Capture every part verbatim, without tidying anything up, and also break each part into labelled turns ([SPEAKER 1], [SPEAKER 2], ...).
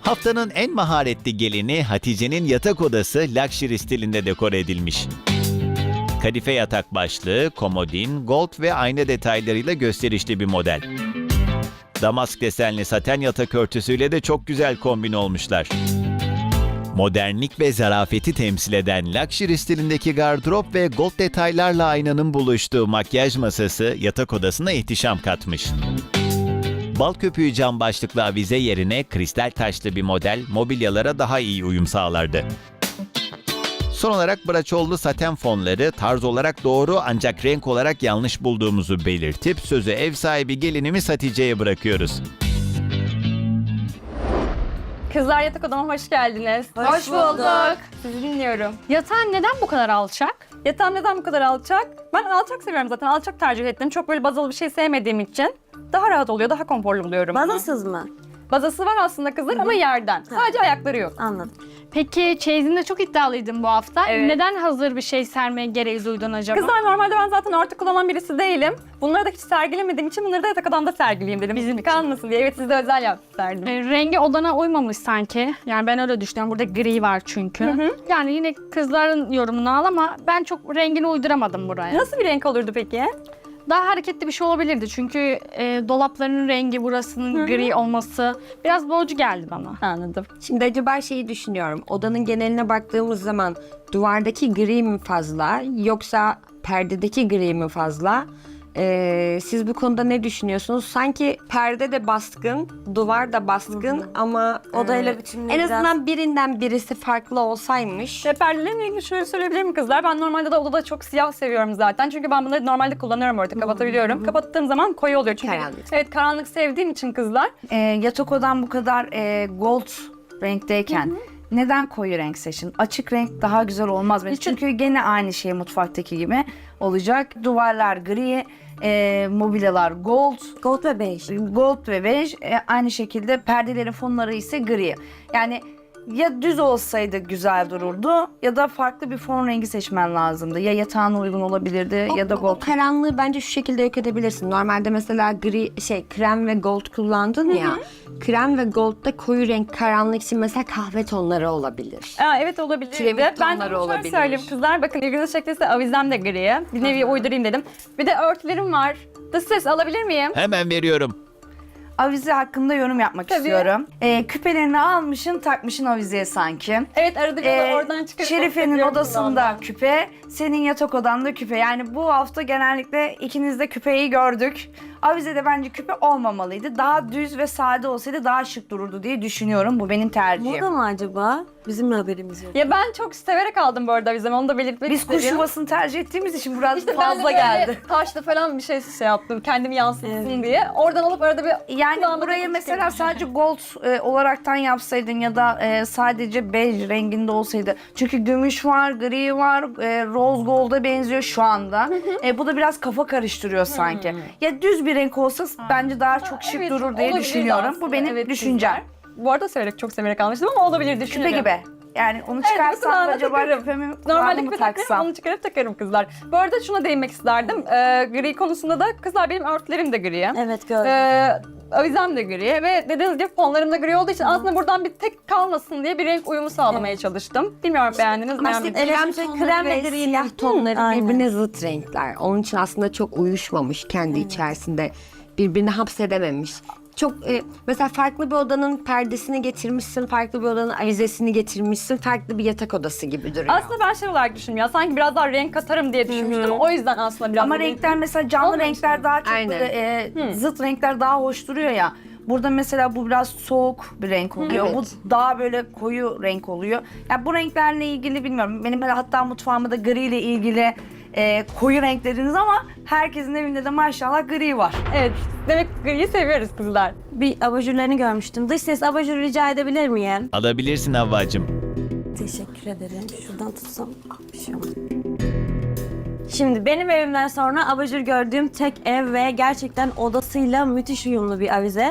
[SPEAKER 1] Haftanın en maharetli gelini Hatice'nin yatak odası luxury stilinde dekore edilmiş. Kadife yatak başlığı, komodin, gold ve ayna detaylarıyla gösterişli bir model. Damask desenli saten yatak örtüsüyle de çok güzel kombin olmuşlar. Modernlik ve zarafeti temsil eden luxury stilindeki gardırop ve gold detaylarla aynanın buluştuğu makyaj masası yatak odasına ihtişam katmış. Bal köpüğü cam başlıklı avize yerine kristal taşlı bir model mobilyalara daha iyi uyum sağlardı. Son olarak braçollu saten fonları tarz olarak doğru ancak renk olarak yanlış bulduğumuzu belirtip sözü ev sahibi gelinimiz Hatice'ye bırakıyoruz.
[SPEAKER 2] Kızlar yatak odama hoş geldiniz.
[SPEAKER 3] Hoş bulduk.
[SPEAKER 2] Sizi dinliyorum.
[SPEAKER 3] Yatağın neden bu kadar alçak?
[SPEAKER 2] Yatağım neden bu kadar alçak? Ben alçak seviyorum zaten. Alçak tercih ettim. Çok böyle bazalı bir şey sevmediğim için daha rahat oluyor, daha konforlu buluyorum.
[SPEAKER 4] Bazasız mı?
[SPEAKER 2] Bazası var aslında kızlar ama yerden. Sadece ayakları yok.
[SPEAKER 4] Anladım.
[SPEAKER 3] Peki çeyizinde çok iddialıydın bu hafta.
[SPEAKER 2] Evet.
[SPEAKER 3] Neden hazır bir şey sermeye gereği duydun acaba?
[SPEAKER 2] Kızlar normalde ben zaten örtü kullanan birisi değilim. Bunları da hiç sergilemediğim için bunları da yatak odamda sergileyeyim dedim. Bizim kalmasın diye. Evet size özel yaptırdım.
[SPEAKER 3] E, rengi odana uymamış sanki. Yani ben öyle düşünüyorum. Burada gri var çünkü. Yani yine kızların yorumunu al ama ben çok rengini uyduramadım buraya.
[SPEAKER 2] Nasıl bir renk olurdu peki?
[SPEAKER 3] Daha hareketli bir şey olabilirdi. Çünkü e, dolapların rengi burasının gri olması biraz boğucu geldi bana.
[SPEAKER 2] Anladım.
[SPEAKER 4] Şimdi acaba şeyi düşünüyorum. Odanın geneline baktığımız zaman duvardaki gri mi fazla yoksa perdedeki gri mi fazla? Ee, siz bu konuda ne düşünüyorsunuz? Sanki perde de baskın, duvar da baskın ama
[SPEAKER 5] Odayla
[SPEAKER 4] e,
[SPEAKER 5] bütünlüğü
[SPEAKER 4] en
[SPEAKER 5] biraz-
[SPEAKER 4] azından birinden birisi farklı olsaymış.
[SPEAKER 2] Ve perdelerimle ilgili şöyle söyleyebilir miyim kızlar? Ben normalde de odada çok siyah seviyorum zaten. Çünkü ben bunları normalde kullanıyorum orada kapatabiliyorum. Kapattığım zaman koyu oluyor. Çünkü
[SPEAKER 4] Karanlık.
[SPEAKER 2] evet karanlık sevdiğim için kızlar.
[SPEAKER 5] E, yatak odan bu kadar e, gold renkteyken neden koyu renk seçin? Açık renk daha güzel olmaz bence.
[SPEAKER 2] İşte-
[SPEAKER 5] Çünkü gene aynı şey mutfaktaki gibi olacak. Duvarlar gri, e, mobilyalar gold,
[SPEAKER 4] Gold ve bej.
[SPEAKER 5] gold ve bej. E, aynı şekilde perdelerin fonları ise gri. Yani ya düz olsaydı güzel dururdu ya da farklı bir fon rengi seçmen lazımdı. Ya yatağına uygun olabilirdi ya da
[SPEAKER 4] O, o
[SPEAKER 5] gold.
[SPEAKER 4] karanlığı bence şu şekilde yok edebilirsin. Normalde mesela gri şey krem ve gold kullandın ya. Krem ve goldda koyu renk karanlık için mesela kahve tonları olabilir.
[SPEAKER 2] Aa, evet olabilir.
[SPEAKER 4] Kiremit
[SPEAKER 2] Ben
[SPEAKER 4] tonları
[SPEAKER 2] şöyle
[SPEAKER 4] olabilir.
[SPEAKER 2] söyleyeyim kızlar. Bakın ilginizi çektiyse avizem de gri. Bir nevi uydurayım dedim. Bir de örtülerim var. Dış ses alabilir miyim?
[SPEAKER 1] Hemen veriyorum.
[SPEAKER 5] Avize hakkında yorum yapmak
[SPEAKER 2] Tabii.
[SPEAKER 5] istiyorum. Ee, küpelerini almışın takmışın avizeye sanki.
[SPEAKER 2] Evet arada bir de
[SPEAKER 5] Ee,
[SPEAKER 2] oradan çıkarıp...
[SPEAKER 5] Şerife'nin
[SPEAKER 2] takıyorum
[SPEAKER 5] odasında
[SPEAKER 2] kulağımdan.
[SPEAKER 5] küpe, senin yatak odanda küpe. Yani bu hafta genellikle ikiniz de küpeyi gördük. Avizede bence küpe olmamalıydı. Daha düz ve sade olsaydı daha şık dururdu diye düşünüyorum. Bu benim tercihim.
[SPEAKER 4] Moda mı acaba? Bizim haberimiz yok.
[SPEAKER 2] Ya ben çok severek aldım bu arada avizemi. Onu da belirtmek
[SPEAKER 5] Biz
[SPEAKER 2] istedim.
[SPEAKER 5] kuş yuvasını tercih ettiğimiz için biraz
[SPEAKER 2] İşte ben de
[SPEAKER 5] fazla
[SPEAKER 2] böyle
[SPEAKER 5] geldi.
[SPEAKER 2] taşlı falan bir şey şey yaptım. Kendimi yansıtsın diye. Oradan alıp arada bir...
[SPEAKER 5] Yani
[SPEAKER 2] kulağıma
[SPEAKER 5] burayı
[SPEAKER 2] takıp
[SPEAKER 5] mesela
[SPEAKER 2] çıkarım.
[SPEAKER 5] sadece gold e, olaraktan yapsaydın ya da e, sadece bej renginde olsaydı. Çünkü gümüş var, gri var, e, rose gold'a benziyor şu anda. E, bu da biraz kafa karıştırıyor sanki. Ya düz bir renk olsa bence daha çok şık
[SPEAKER 2] Evet,
[SPEAKER 5] durur diye
[SPEAKER 2] olabilirdi
[SPEAKER 5] düşünüyorum.
[SPEAKER 2] aslında.
[SPEAKER 5] Bu benim
[SPEAKER 2] Evet,
[SPEAKER 5] düşüncem.
[SPEAKER 2] kızlar. Bu arada severek, çok severek almıştım ama olabilir
[SPEAKER 5] Küpe
[SPEAKER 2] düşünüyorum.
[SPEAKER 5] gibi. Yani onu
[SPEAKER 2] Evet,
[SPEAKER 5] çıkarsam
[SPEAKER 2] kulağına
[SPEAKER 5] acaba
[SPEAKER 2] takarım.
[SPEAKER 5] küpemi
[SPEAKER 2] Normalde
[SPEAKER 5] kulağıma mı
[SPEAKER 2] küpe takarım,
[SPEAKER 5] taksam?
[SPEAKER 2] onu çıkarıp takarım kızlar. Bu arada şuna değinmek isterdim. Ee, gri konusunda da kızlar benim örtülerim de gri.
[SPEAKER 4] Evet gördüm.
[SPEAKER 2] Ee, avizem de gri ve dediğiniz gibi fonlarım da gri olduğu için aslında buradan bir tek kalmasın diye bir renk uyumu sağlamaya çalıştım. Bilmiyorum beğendiniz mi?
[SPEAKER 4] Aslında
[SPEAKER 2] beğenmediniz mi?
[SPEAKER 4] krem,
[SPEAKER 5] tonları
[SPEAKER 4] krem
[SPEAKER 5] ve
[SPEAKER 4] ve
[SPEAKER 5] gri
[SPEAKER 4] siyah
[SPEAKER 5] renk.
[SPEAKER 4] tonları
[SPEAKER 5] Aynen.
[SPEAKER 4] birbirine zıt renkler. Onun için aslında çok uyuşmamış kendi içerisinde. Birbirini hapsedememiş. Çok e, mesela farklı bir odanın perdesini getirmişsin, farklı bir odanın avizesini getirmişsin, farklı bir yatak odası gibi duruyor.
[SPEAKER 2] Aslında ben şey olarak düşündüm ya sanki biraz daha renk katarım diye düşünmüştüm. O yüzden aslında biraz
[SPEAKER 5] Ama
[SPEAKER 2] da-
[SPEAKER 5] renkler mesela canlı
[SPEAKER 2] Olmamış
[SPEAKER 5] renkler daha çok
[SPEAKER 4] Aynen.
[SPEAKER 5] böyle e, zıt renkler daha hoş duruyor ya. Burada mesela bu biraz soğuk bir renk oluyor.
[SPEAKER 4] Evet.
[SPEAKER 5] Bu daha böyle koyu renk oluyor. Ya bu renklerle ilgili bilmiyorum. Benim böyle hatta mutfağımda da gri ile ilgili e, koyu renkleriniz ama herkesin evinde de maşallah gri var.
[SPEAKER 2] Evet demek griyi seviyoruz kızlar.
[SPEAKER 6] Bir abajurlarını görmüştüm. Dış ses abajuru rica edebilir miyim?
[SPEAKER 1] Alabilirsin Havvacığım.
[SPEAKER 6] Teşekkür ederim. Şuradan tutsam. Ah, bir şey olmadı. Şimdi benim evimden sonra abajur gördüğüm tek ev ve gerçekten odasıyla müthiş uyumlu bir avize.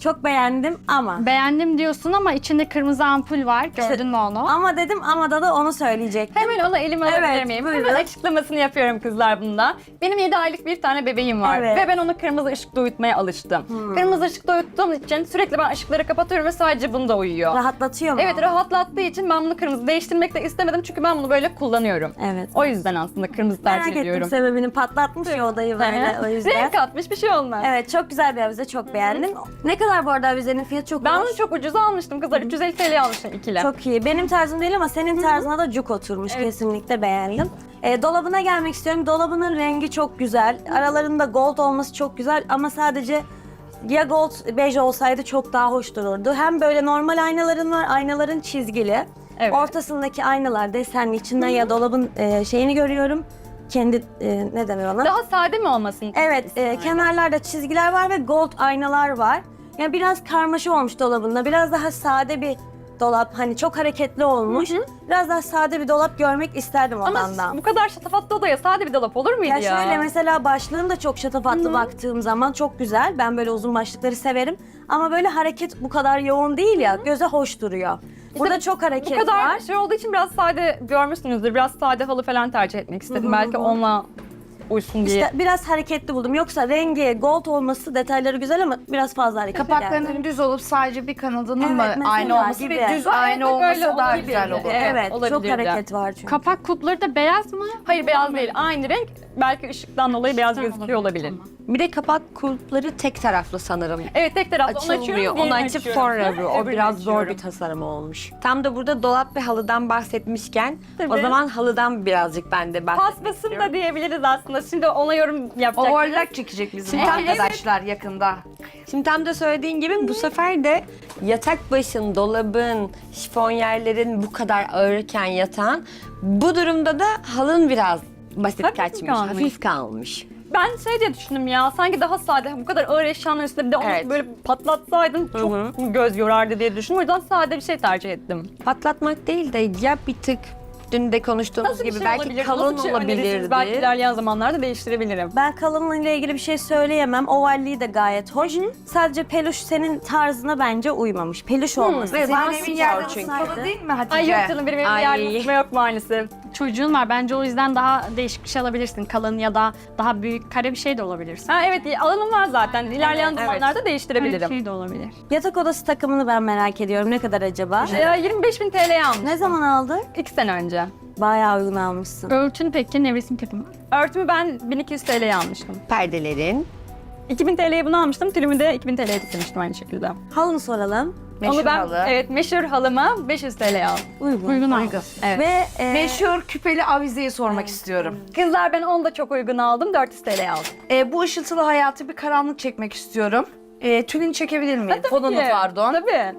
[SPEAKER 6] Çok beğendim ama.
[SPEAKER 3] Beğendim diyorsun ama içinde kırmızı ampul var. Gördün mü onu?
[SPEAKER 6] Ama dedim ama da da onu söyleyecektim.
[SPEAKER 2] Hemen ona elime alabilir
[SPEAKER 6] Evet,
[SPEAKER 2] miyim?
[SPEAKER 6] buyurun.
[SPEAKER 2] Hemen açıklamasını yapıyorum kızlar bunda. Benim yedi aylık bir tane bebeğim var
[SPEAKER 6] Evet.
[SPEAKER 2] ve ben onu kırmızı ışıkta uyutmaya alıştım. Kırmızı ışıkta uyuttuğum için sürekli ben ışıkları kapatıyorum ve sadece bunda uyuyor.
[SPEAKER 6] Rahatlatıyor mu?
[SPEAKER 2] Evet, rahatlattığı için ben bunu kırmızı değiştirmek de istemedim çünkü ben bunu böyle kullanıyorum.
[SPEAKER 6] Evet.
[SPEAKER 2] O yüzden aslında kırmızı
[SPEAKER 6] Merak
[SPEAKER 2] tercih
[SPEAKER 6] ettim
[SPEAKER 2] ediyorum.
[SPEAKER 6] sebebini. Patlatmış ya odayı böyle o yüzden.
[SPEAKER 2] Renk katmış, bir şey olmaz.
[SPEAKER 6] Evet, çok güzel bir avize, çok beğendim. Ne kadar bu arada avizenin fiyatı çok
[SPEAKER 2] Ben
[SPEAKER 6] hoş.
[SPEAKER 2] bunu çok ucuza almıştım kızlar. üç yüz elli T L'ye almıştım ikili.
[SPEAKER 6] Çok iyi. Benim tarzım değil ama senin tarzına da cuk oturmuş. Kesinlikle beğendim. E, dolabına gelmek istiyorum. Dolabının rengi çok güzel. Aralarında gold olması çok güzel ama sadece ya gold bej olsaydı çok daha hoş dururdu. Hem böyle normal aynaların var, aynaların çizgili.
[SPEAKER 2] Evet.
[SPEAKER 6] Ortasındaki aynalar desenli, içinden ya dolabın e, şeyini görüyorum. Kendi e, ne denir ona?
[SPEAKER 2] Daha sade mi olmasın?
[SPEAKER 6] Evet, e, kenarlarda çizgiler var ve gold aynalar var. Yani biraz karmaşa olmuş dolabında. Biraz daha sade bir dolap. Hani çok hareketli olmuş. Biraz daha sade bir dolap görmek isterdim
[SPEAKER 2] Ama
[SPEAKER 6] odandan.
[SPEAKER 2] bu kadar şatafatlı odaya sade bir dolap olur muydu
[SPEAKER 6] Ya
[SPEAKER 2] ya?
[SPEAKER 6] şöyle mesela başlığım da çok şatafatlı baktığım zaman çok güzel. Ben böyle uzun başlıkları severim. Ama böyle hareket bu kadar yoğun değil ya. Göze hoş duruyor. Burada çok hareket
[SPEAKER 2] Bu kadar
[SPEAKER 6] var.
[SPEAKER 2] şey olduğu için biraz sade görmüşsünüzdür. Biraz sade halı falan tercih etmek istedim. Belki onunla uysun diye.
[SPEAKER 6] İşte biraz hareketli buldum. Yoksa rengi gold olması detayları güzel ama biraz fazla hareketli geldi.
[SPEAKER 5] Kapaklarının düz olup sadece bir kanadının
[SPEAKER 6] Evet,
[SPEAKER 5] mı
[SPEAKER 6] mesela
[SPEAKER 5] aynı olması
[SPEAKER 6] gibi.
[SPEAKER 5] ve düz
[SPEAKER 2] Evet,
[SPEAKER 5] aynı
[SPEAKER 2] böyle
[SPEAKER 5] olması daha
[SPEAKER 2] olabilirdi.
[SPEAKER 5] güzel olur.
[SPEAKER 2] Evet,
[SPEAKER 6] Evet, çok
[SPEAKER 2] olabilirdi.
[SPEAKER 6] hareket var çünkü.
[SPEAKER 3] Kapak kulpları da beyaz mı?
[SPEAKER 2] Hayır, beyaz değil. Aynı renk. Belki ışıktan dolayı beyaz gözüküyor olabilir.
[SPEAKER 4] Bir de kapak kulpları tek taraflı sanırım.
[SPEAKER 2] Evet, tek taraflı. Onu açıyorum,
[SPEAKER 4] Açılmıyor. Onu
[SPEAKER 2] diğerini
[SPEAKER 4] açıp
[SPEAKER 2] açıyorum.
[SPEAKER 4] sonra bu. O
[SPEAKER 2] Öbürünü
[SPEAKER 4] biraz zor
[SPEAKER 2] açıyorum.
[SPEAKER 4] bir tasarım olmuş. Tam da burada dolap ve halıdan bahsetmişken
[SPEAKER 2] Tabii.
[SPEAKER 4] o zaman halıdan birazcık ben de bahsetmek
[SPEAKER 2] Paspasım
[SPEAKER 4] istiyorum.
[SPEAKER 2] da diyebiliriz aslında. Şimdi ona yorum yapacak.
[SPEAKER 5] Overlock çekecek bizim
[SPEAKER 2] Evet.
[SPEAKER 5] arkadaşlar yakında.
[SPEAKER 4] Şimdi tam da söylediğin gibi bu sefer de yatak başın, dolabın, şifonyerlerin bu kadar ağırken yatan, bu durumda da halın biraz basit
[SPEAKER 2] Hafif
[SPEAKER 4] kaçmış,
[SPEAKER 2] kalmış.
[SPEAKER 4] hafif kalmış.
[SPEAKER 2] Ben şey diye düşündüm ya, sanki daha sade, bu kadar ağır eşyanın üstünde bir de onu
[SPEAKER 4] Evet.
[SPEAKER 2] böyle patlatsaydın çok göz yorardı diye düşündüm. O yüzden sade bir şey tercih ettim.
[SPEAKER 4] Patlatmak değil de ya bir tık dün de konuştuğumuz
[SPEAKER 2] Nasıl bir
[SPEAKER 4] gibi
[SPEAKER 2] şey
[SPEAKER 4] belki
[SPEAKER 2] olabilir?
[SPEAKER 4] kalın
[SPEAKER 2] Nasıl bir şey önerirsiniz?
[SPEAKER 4] olabilirdi.
[SPEAKER 2] Belki ilerleyen zamanlarda değiştirebilirim.
[SPEAKER 6] Ben kalınlığıyla ilgili bir şey söyleyemem. Ovalliği de gayet hoş. Sadece peluş senin tarzına bence uymamış. Peluş olması.
[SPEAKER 5] Ve
[SPEAKER 6] Senin
[SPEAKER 5] senin evin yerden
[SPEAKER 6] çünkü.
[SPEAKER 5] ısıtmalı değil mi Hatice?
[SPEAKER 2] Ay yok canım, benim evimde
[SPEAKER 4] Ay.
[SPEAKER 2] yardım etme yok maalesef.
[SPEAKER 3] Çocuğun var. Bence o yüzden daha değişik bir şey alabilirsin. Kalın ya da daha büyük kare bir şey de olabilirsin.
[SPEAKER 2] Ha evet, alanım var zaten. İlerleyen
[SPEAKER 4] Evet,
[SPEAKER 2] zamanlarda
[SPEAKER 3] Öyle bir
[SPEAKER 2] değiştirebilirim.
[SPEAKER 3] şey de olabilir.
[SPEAKER 6] Yatak odası takımını ben merak ediyorum. Ne kadar acaba?
[SPEAKER 2] Ya yirmi beş bin T L'ye almıştım.
[SPEAKER 6] Ne zaman aldın?
[SPEAKER 2] İki sene önce.
[SPEAKER 6] Bayağı uygun almışsın.
[SPEAKER 3] Örtün peki nevresim takımı.
[SPEAKER 2] Örtümü ben bin iki yüz T L'ye almıştım.
[SPEAKER 4] Perdelerin.
[SPEAKER 2] iki bin T L'ye bunu almıştım. Tülümü de iki bin T L'ye dikmiştim aynı şekilde.
[SPEAKER 6] Halını soralım.
[SPEAKER 5] Meşhur
[SPEAKER 2] Onu ben,
[SPEAKER 5] halı.
[SPEAKER 2] evet, meşhur halıma beş yüz T L'ye aldım.
[SPEAKER 6] Uygun.
[SPEAKER 3] Uygun al.
[SPEAKER 2] Evet.
[SPEAKER 6] Ve e,
[SPEAKER 5] Meşhur küpeli avizeyi sormak istiyorum.
[SPEAKER 2] Kızlar, ben onu da çok uygun aldım. dört yüz T L'ye aldım.
[SPEAKER 5] Ee, bu ışıltılı hayatı bir karanlık çekmek istiyorum. Ee, tülünü çekebilir miyim? Fonunu
[SPEAKER 2] Tabii,
[SPEAKER 5] pardon.
[SPEAKER 2] Tabii.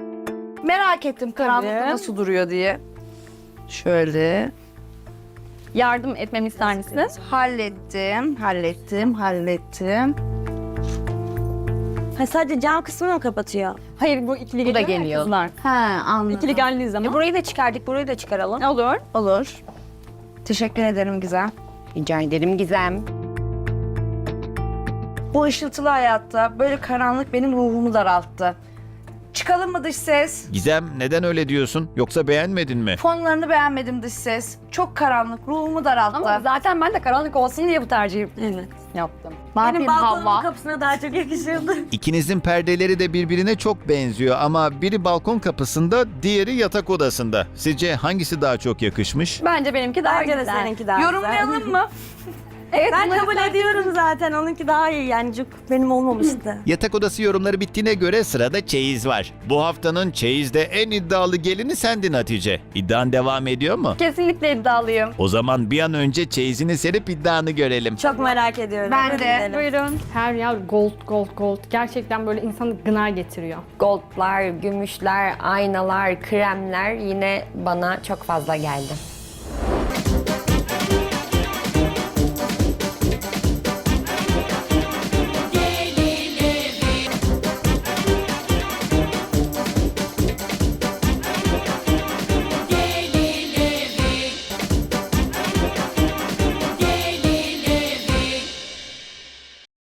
[SPEAKER 5] Merak ettim karanlıkta
[SPEAKER 2] Tabii.
[SPEAKER 5] nasıl duruyor diye. Şöyle.
[SPEAKER 2] Yardım etmemi ister misiniz?
[SPEAKER 5] Hallettim, hallettim, hallettim.
[SPEAKER 6] ha, sadece cam kısmını mı kapatıyor?
[SPEAKER 2] Hayır, bu ikili
[SPEAKER 4] Bu da
[SPEAKER 2] geliyor ya
[SPEAKER 4] geliyor.
[SPEAKER 2] kızlar.
[SPEAKER 5] Ha, anladım.
[SPEAKER 2] İkili geldiği zaman.
[SPEAKER 4] Burayı da çıkardık, burayı da çıkaralım.
[SPEAKER 2] Olur.
[SPEAKER 5] Olur. Teşekkür ederim Gizem.
[SPEAKER 4] Rica ederim Gizem.
[SPEAKER 5] Bu ışıltılı hayatta böyle karanlık benim ruhumu daralttı. Çıkalım mı dış ses?
[SPEAKER 1] Gizem, neden öyle diyorsun? Yoksa beğenmedin mi?
[SPEAKER 5] Fonlarını beğenmedim dış ses. Çok karanlık, ruhumu daralttı.
[SPEAKER 2] Ama zaten ben de karanlık olsun diye bu tercihi
[SPEAKER 6] Evet.
[SPEAKER 2] yaptım.
[SPEAKER 3] Ne
[SPEAKER 6] Benim
[SPEAKER 3] yapayım
[SPEAKER 6] balkonumun
[SPEAKER 3] Havva?
[SPEAKER 6] kapısına daha çok yakışırdı.
[SPEAKER 1] İkinizin perdeleri de birbirine çok benziyor ama biri balkon kapısında, diğeri yatak odasında. Sizce hangisi daha çok yakışmış?
[SPEAKER 2] Bence benimki daha
[SPEAKER 6] Bence de
[SPEAKER 2] güzel.
[SPEAKER 6] seninki daha güzel.
[SPEAKER 5] Yorumlayalım mı?
[SPEAKER 2] Evet,
[SPEAKER 6] Ben
[SPEAKER 2] bunları
[SPEAKER 6] kabul
[SPEAKER 2] fark-
[SPEAKER 6] ediyorum zaten. Onunki daha iyi yani. Cuk benim olmamıştı.
[SPEAKER 1] Yatak odası yorumları bittiğine göre sırada çeyiz var. Bu haftanın çeyizde en iddialı gelini sendin Hatice. İddian devam ediyor mu?
[SPEAKER 2] Kesinlikle iddialıyım.
[SPEAKER 1] O zaman bir an önce çeyizini serip iddianı görelim.
[SPEAKER 6] Çok merak ediyorum.
[SPEAKER 5] Ben
[SPEAKER 6] Hadi
[SPEAKER 5] de.
[SPEAKER 6] gidelim.
[SPEAKER 2] Buyurun.
[SPEAKER 3] Her yer gold gold gold. Gerçekten böyle insanı gına getiriyor.
[SPEAKER 4] Goldlar, gümüşler, aynalar, kremler yine bana çok fazla geldi.